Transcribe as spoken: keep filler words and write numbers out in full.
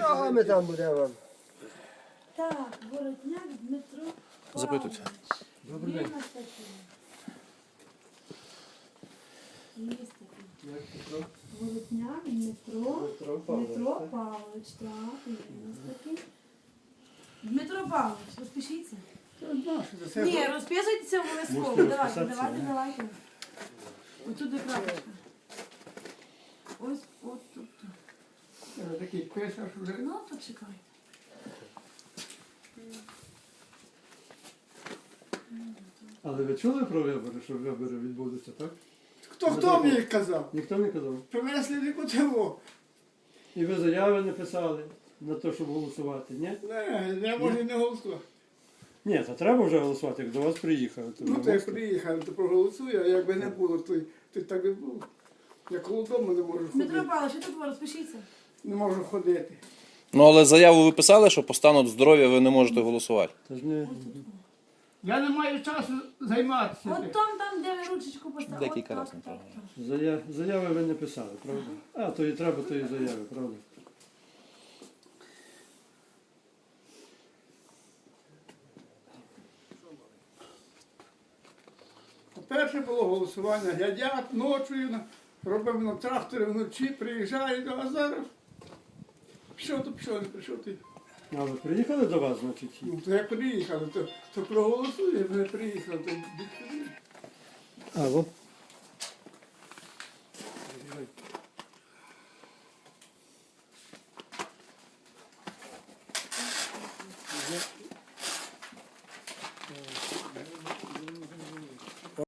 Чого ми там будемо? Так, Воротняк Дмитро Запитуйте. Павлович. Добрий Є день. в нас такий? Є такий. Як Петро? Воротняк Дмитро. Дмитро Павлович, Дмитро так? Павлович, так, є у нас такий. Дмитро Павлович, розпишіться. Ні, розписуйтеся обов'язково. Можете Давайте, розписатися, давайте, ні? давайте. Отут де крапочка. Ось, от тут. Такий писаш вже. Ну, то чекайте. Але ви чули про вибори, що вибори відбудуться, так? Хто хто мені казав? Ніхто не казав. Принесли нікого. І ви заяви не писали на те, щоб голосувати, ні? Не, я може не голосувати. Ні, то треба вже голосувати, як до вас приїхали. То Ну, вже то як можете. приїхали, то проголосую, а якби не було, то, то так і було. Я коло дому не можу Дмитро ходити. Павлович, тут ви розпишіться. Не можу ходити. Ну, але заяву ви писали, що по стану здоров'я ви не можете голосувати. Та ж не... Я не маю часу займатися. От там, там, де ви ручечку поставили. Декілька От разів, так, правда. так, Зая... Заяви ви не писали, правда? А, то і треба тої заяви, правда? Перше було голосування. Глядять ночою, на- робимо на тракторі вночі, приїжджають, а зараз пішов, то пішов, не прийшов ти. А ви приїхали до вас, значить? Ну, то як приїхали, то, то проголосує, не приїхали, то відповідь. А, во.